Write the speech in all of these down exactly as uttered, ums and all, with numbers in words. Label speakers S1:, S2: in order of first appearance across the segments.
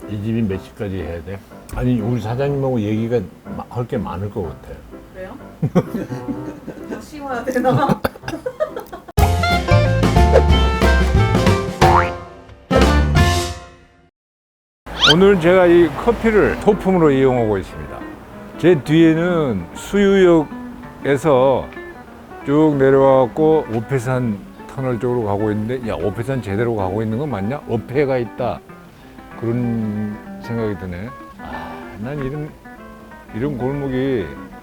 S1: 이 집이 몇 시까지 해야 돼? 아니 우리 사장님하고 얘기가 할 게 많을 것 같아.
S2: 그래요? 더 씌워야 되나?
S1: 오늘 제가 이 커피를 소품으로 이용하고 있습니다. 제 뒤에는 수유역에서 쭉 내려와갖고 오페산 터널 쪽으로 가고 있는데, 야, 오페산 제대로 가고 있는 건 맞냐? 어폐가 있다. 그런 생각이 드네. 아, 난 이런, 이런 골목이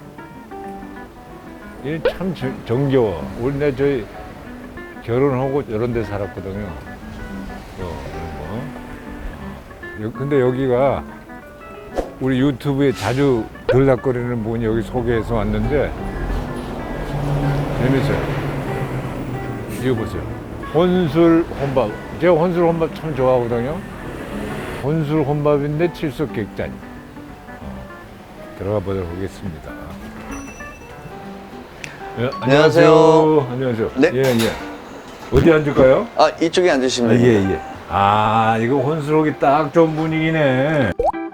S1: 이게 참 정- 정겨워. 우리 내 저희 결혼하고 이런 데 살았거든요. 요, 이런 거. 여- 근데 여기가 우리 유튜브에 자주 들락거리는 분이 여기 소개해서 왔는데 재밌어요. 이거 보세요. 혼술 혼밥. 제가 혼술 혼밥 참 좋아하거든요. 혼술 혼밥인데 칠석 객잔. 어, 들어가 보도록 하겠습니다. 예,
S3: 안녕하세요.
S1: 안녕하세요.
S3: 네.
S1: 예, 예. 어디 앉을까요?
S3: 아, 이쪽에 앉으시면
S1: 아,
S3: 됩니다.
S1: 예, 예. 아, 이거 혼술하기 딱 좋은 분위기네.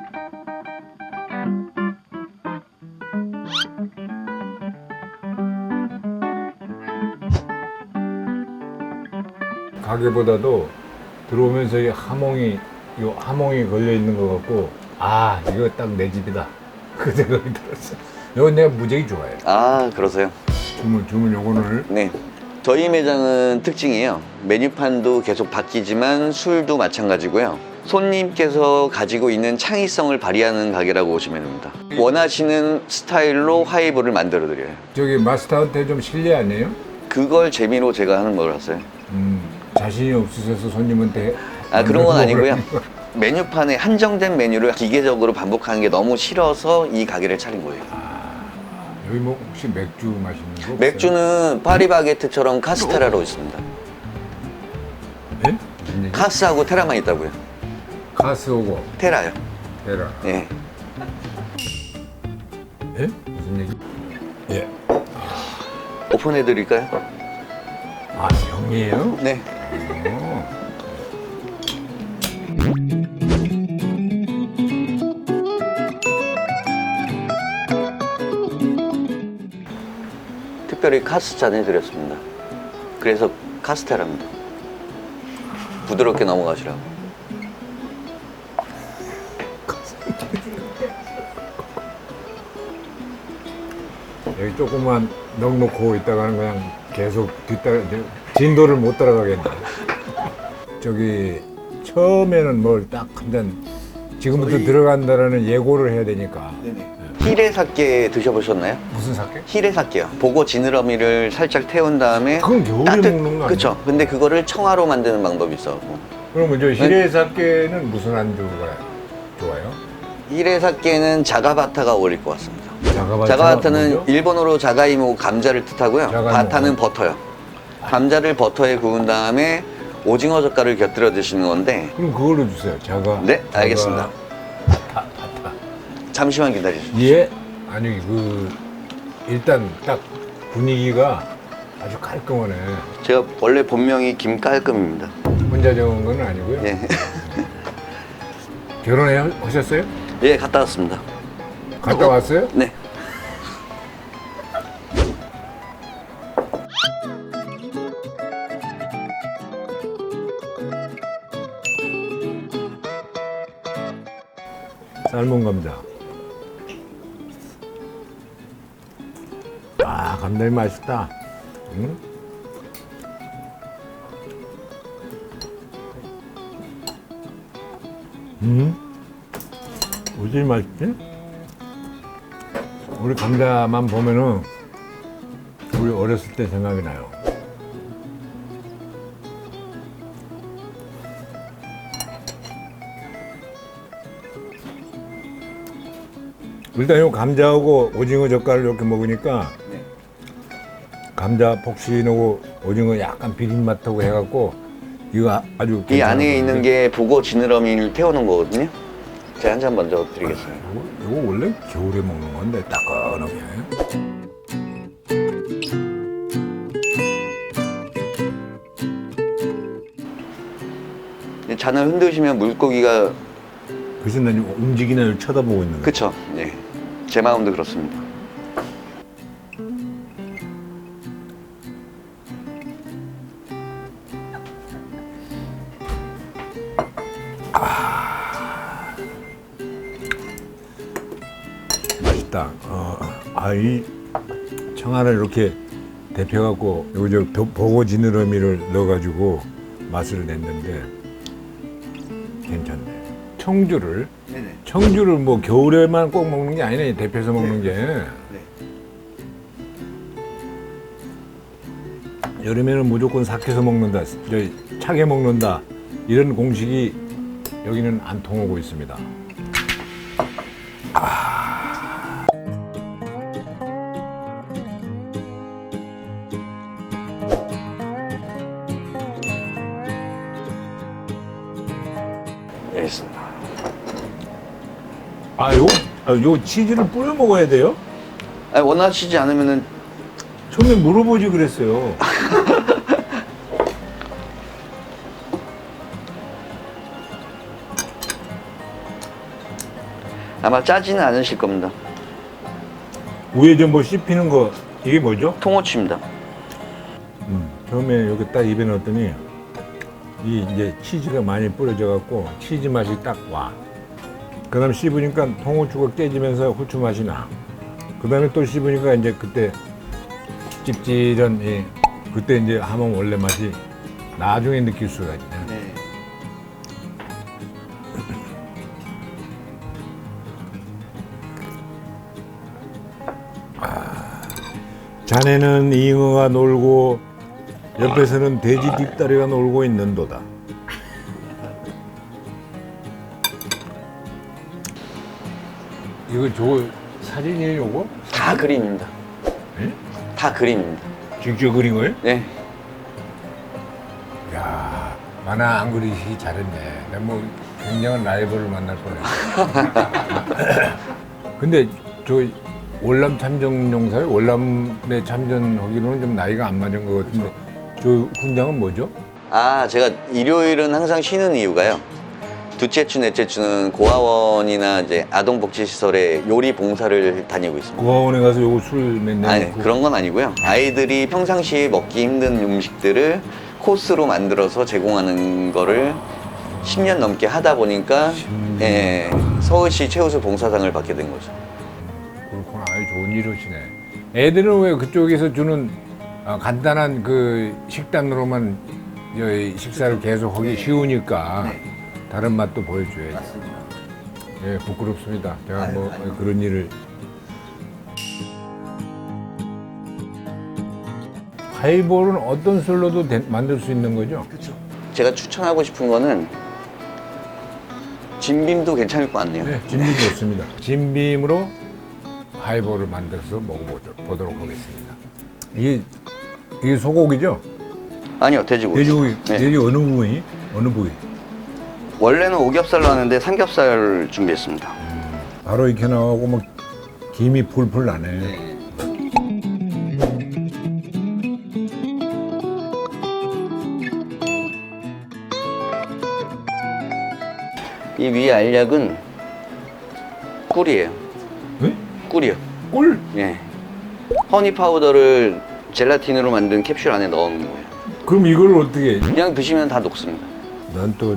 S1: 가게보다도 들어오면서 이 하몽이, 요 하몽이 걸려 있는 것 같고, 아, 이거 딱 내 집이다. 그 생각이 들었어. 이건 내가 무지하게 좋아해.
S3: 아, 그러세요?
S1: 주문, 주문 요거를.
S3: 네. 저희 매장은 특징이에요. 메뉴판도 계속 바뀌지만 술도 마찬가지고요. 손님께서 가지고 있는 창의성을 발휘하는 가게라고 보시면 됩니다. 원하시는 스타일로 하이볼을 만들어 드려요.
S1: 저기 마스터한테 좀 실례 아니에요?
S3: 그걸 재미로 제가 하는 거라서요.
S1: 음, 자신이 없으셔서 손님한테.
S3: 아, 그런 건
S1: 만들어
S3: 아니고요.
S1: 먹으라는 거.
S3: 메뉴판에 한정된 메뉴를 기계적으로 반복하는 게 너무 싫어서 이 가게를 차린 거예요.
S1: 여기 뭐 혹시 맥주 마시는 거 없어요?
S3: 맥주는 파리바게트처럼 카스테라로 있습니다.
S1: 예? 무슨 얘기?
S3: 카스하고 테라만 있다고요.
S1: 카스 오고
S3: 테라요.
S1: 테라.
S3: 예.
S1: 예? 무슨 얘기? 예.
S3: 오픈해 드릴까요?
S1: 아, 형이에요?
S3: 네.
S1: 어.
S3: 특별히 카스 잔 해드렸습니다. 그래서 카스테라입니다. 부드럽게 넘어가시라고.
S1: 여기 조금만 넉넉고 있다가는 그냥 계속 뒤따라 진도를 못 따라가겠네. 저기 처음에는 뭘 딱 한 잔 지금부터 들어간다라는 예고를 해야 되니까.
S3: 히레사케 드셔보셨나요?
S1: 무슨 사케?
S3: 히레사케요. 보고 지느러미를 살짝 태운 다음에
S1: 그건 겨울에 먹는 거 아니야?
S3: 그쵸. 근데 그거를 청아로 만드는 방법이 있어.
S1: 그러면 저 히레사케는 무슨 안주가 좋아요?
S3: 히레사케는 자가바타가 어울릴 것 같습니다.
S1: 자가바타
S3: 자가바타는
S1: 뭐죠?
S3: 일본어로 자가이모 감자를 뜻하고요.
S1: 자가이모.
S3: 바타는 버터요. 감자를 버터에 구운 다음에 오징어 젓갈을 곁들여 드시는 건데.
S1: 그럼 그걸로 주세요. 자가.
S3: 네,
S1: 자가-
S3: 알겠습니다.
S1: 바타, 바타.
S3: 잠시만 기다리시죠.
S1: 예? 아니 그 일단 딱 분위기가 아주 깔끔하네.
S3: 제가 원래 본명이 김깔끔입니다.
S1: 혼자 정한 건 아니고요.
S3: 예.
S1: 결혼해 하셨어요?
S3: 예, 갔다 왔습니다.
S1: 갔다 왔어요?
S3: 네.
S1: 삶은 감자. 아, 감자이 맛있다. 응? 음? 어디 맛있지? 우리 감자만 보면은 우리 어렸을 때 생각이 나요. 일단 이 감자하고 오징어 젓갈을 이렇게 먹으니까
S3: 네.
S1: 감자 폭신하고 오징어 약간 비린맛하고 해갖고 이거 아주
S3: 이 안에 있는 게 보고 지느러미를 태우는 거거든요. 제가 한 잔 먼저 드리겠습니다.
S1: 이거, 이거 원래 겨울에 먹는 건데 따끈하게.
S3: 잔을 흔드시면 물고기가
S1: 그래서 난 움직이는 애를 쳐다보고 있는 거야.
S3: 그쵸? 예. 제 마음도 그렇습니다.
S1: 맛있다. 어, 아이 청아를 이렇게 데펴갖고 여기 저 보- 보고 지느러미를 넣어가지고 맛을 냈는데 괜찮네. 청주를
S3: 네네.
S1: 청주를 뭐 겨울에만 꼭 먹는 게 아니네. 데펴서 먹는 게.
S3: 네.
S1: 여름에는 무조건 삭혀서 먹는다, 저 차게 먹는다 이런 공식이 여기는 안 통하고 있습니다.
S3: 여기 있습니다.
S1: 아, 요, 아, 요 치즈를 뿌려 먹어야 돼요?
S3: 아니, 원하시지 않으면은
S1: 처음에 물어보지 그랬어요.
S3: 아마 짜지는 않으실 겁니다.
S1: 위에 좀 뭐 씹히는 거 이게 뭐죠?
S3: 통호추입니다.
S1: 음, 처음에 여기 딱 입에 넣었더니 이 이제 치즈가 많이 뿌려져 갖고 치즈 맛이 딱 와. 그다음 씹으니까 통후추가 깨지면서 후추 맛이 나. 그다음에 또 씹으니까 이제 그때 찝찝한 이 그때 이제 하면 원래 맛이 나중에 느낄 수가 있네.
S3: 네.
S1: 자네는 잉어가 놀고 옆에서는 돼지 뒷다리가 놀고 있는도다. 이거 저 사진이에요, 이거?
S3: 다 그림입니다.
S1: 예?
S3: 다 그림입니다.
S1: 직접 그린 거예요?
S3: 네.
S1: 야, 만화 안 그리시기 잘했네. 내가 뭐 굉장한 라이벌을 만날 뻔했어. 근데 저 월남 참전용사요? 월남에 참전하기로는 좀 나이가 안 맞은 것 같은데 저 훈장은 뭐죠?
S3: 아, 제가 일요일은 항상 쉬는 이유가요. 둘째 주, 넷째 주는 고아원이나 이제 아동복지시설에 요리 봉사를 다니고 있습니다.
S1: 고아원에 가서 요거 술 맨날
S3: 아니,
S1: 먹고.
S3: 그런 건 아니고요. 아이들이 평상시에 먹기 힘든 음식들을 코스로 만들어서 제공하는 거를 십 년 넘게 하다 보니까 예, 서울시 최우수 봉사상을 받게 된 거죠.
S1: 그렇구나. 아주 좋은 일이시네. 애들은 왜 그쪽에서 주는 아, 간단한 그 식단으로만 저 식사를 계속 하기 쉬우니까 다른 맛도 보여줘야지.
S3: 맞습니다.
S1: 예, 부끄럽습니다. 제가
S3: 아유,
S1: 뭐
S3: 아유.
S1: 그런 일을. 하이볼은 어떤 술로도 대- 만들 수 있는 거죠?
S3: 그렇죠. 제가 추천하고 싶은 거는 진빔도 괜찮을 것 같네요.
S1: 네, 진빔 좋습니다. 진빔으로 하이볼을 만들어서 먹어보도록 하겠습니다. 이게 이게 소고기죠?
S3: 아니요, 돼지고기.
S1: 돼지고기,
S3: 네.
S1: 돼지 어느 부분이? 어느 부위?
S3: 원래는 오겹살로 하는데 삼겹살 준비했습니다.
S1: 바로 이렇게 나오고 막 김이 풀풀 나네.
S3: 이 위에 알약은 꿀이에요.
S1: 네?
S3: 꿀이요.
S1: 꿀?
S3: 예. 허니 파우더를 젤라틴으로 만든 캡슐 안에 넣은 거예요.
S1: 그럼 이걸 어떻게 해?
S3: 그냥 드시면 다 녹습니다.
S1: 난 또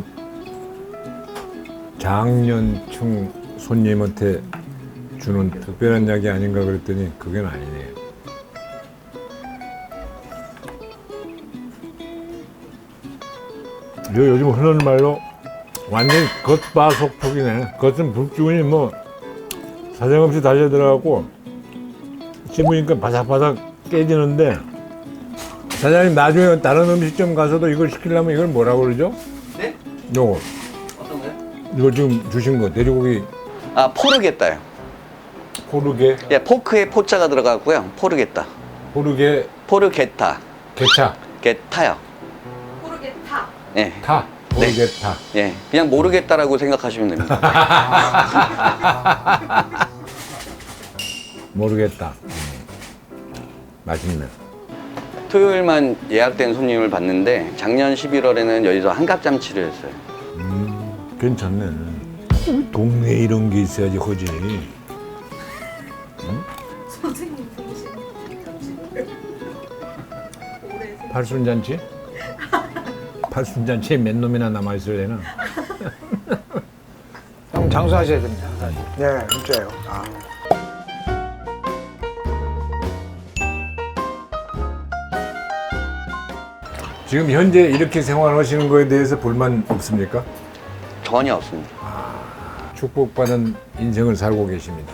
S1: 장년층 손님한테 주는 특별한 약이 아닌가 그랬더니 그건 아니네. 이거 요즘 흔한 말로 완전 겉바속촉이네. 겉은 불기운이 뭐 사정없이 달려 들어가고 씹으니까 바삭바삭 깨지는데 사장님 나중에 다른 음식점 가서도 이걸 시키려면 이걸 뭐라고 그러죠?
S3: 네?
S1: 요거
S3: 어떤 거요?
S1: 이거 지금 주신 거 돼지고기
S3: 아, 포르게따요.
S1: 포르게
S3: 예, 포크에 포자가 들어가고요. 포르게따.
S1: 포르게
S3: 포르게타.
S1: 게차
S3: 게타요.
S2: 모르겠다.
S3: 예.
S1: 타 포르게타
S3: 예. 그냥 모르겠다라고 생각하시면 됩니다.
S1: 모르겠다. 음. 맛있네.
S3: 토요일만 예약된 손님을 봤는데 작년 십일월에는 여기서 한갑잔치를 했어요.
S1: 음, 괜찮네. 동네에 이런 게 있어야지 허지.
S2: 선생님 보시는 올해
S1: 팔순잔치? 팔순잔치에 몇 놈이나 남아있을래나?
S4: 형 장수하셔야 됩니다. 네, 진짜요. 아.
S1: 지금 현재 이렇게 생활하시는 거에 대해서 불만 없습니까?
S3: 전혀 없습니다.
S1: 축복받은 인생을 살고 계십니다.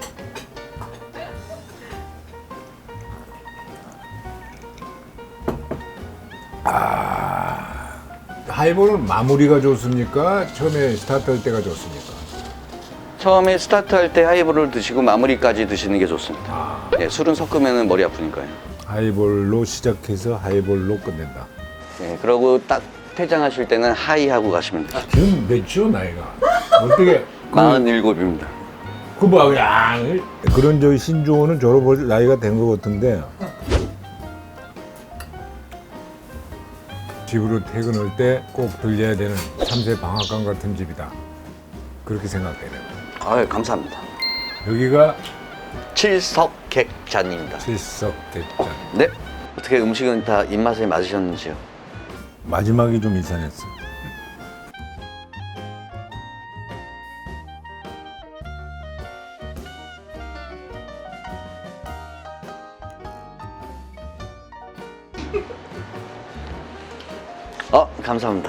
S1: 아, 하이볼은 마무리가 좋습니까? 처음에 스타트할 때가 좋습니까?
S3: 처음에 스타트할 때 하이볼을 드시고 마무리까지 드시는 게 좋습니다.
S1: 아,
S3: 네, 술은 섞으면 머리 아프니까요.
S1: 하이볼로 시작해서 하이볼로 끝낸다.
S3: 네, 그러고 딱 퇴장하실 때는 하이하고 가시면 돼요.
S1: 지금 몇이요 나이가? 어떻게?
S3: 마흔일곱입니다.
S1: 그 뭐야? 그런 저희 신조어는 졸업할 나이가 된 것 같은데 집으로 퇴근할 때 꼭 들려야 되는 참새 방앗간 같은 집이다. 그렇게 생각되네요.
S3: 아유, 감사합니다.
S1: 여기가
S3: 칠석객잔입니다.
S1: 칠석대잔.
S3: 네. 어떻게 음식은 다 입맛에 맞으셨는지요?
S1: 마지막이 좀 이상했어.
S3: 어, 감사합니다.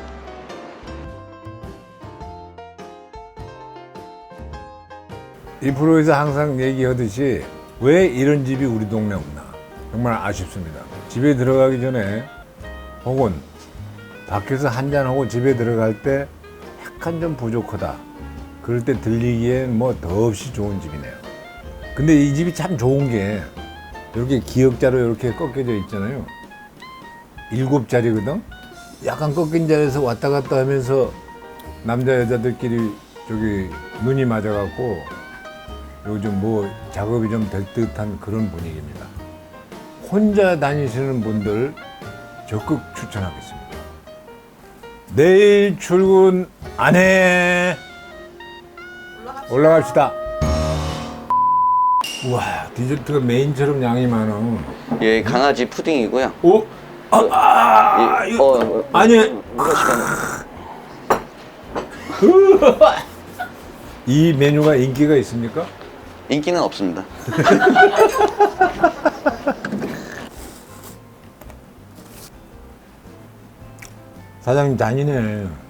S1: 이 프로에서 항상 얘기하듯이 왜 이런 집이 우리 동네 없나 정말 아쉽습니다. 집에 들어가기 전에 혹은 밖에서 한잔하고 집에 들어갈 때 약간 좀 부족하다 그럴 때 들리기엔 뭐 더없이 좋은 집이네요. 근데 이 집이 참 좋은 게 이렇게 기역자로 이렇게 꺾여져 있잖아요. 일곱 자리거든. 약간 꺾인 자리에서 왔다 갔다 하면서 남자 여자들끼리 저기 눈이 맞아갖고 요즘 뭐 작업이 좀 될 듯한 그런 분위기입니다. 혼자 다니시는 분들 적극 추천하겠습니다. 내일 출근 안 해.
S2: 올라갑시다.
S1: 올라갑시다. 우와, 디저트가 메인처럼 양이 많아.
S3: 예, 강아지 푸딩이고요.
S1: 오? 아, 아,
S3: 예,
S1: 이거-
S3: 어, 어,
S1: 아니.
S3: 누가 시간?
S1: 이 메뉴가 인기가 있습니까?
S3: 인기는 없습니다.
S1: 사장님 잔인해.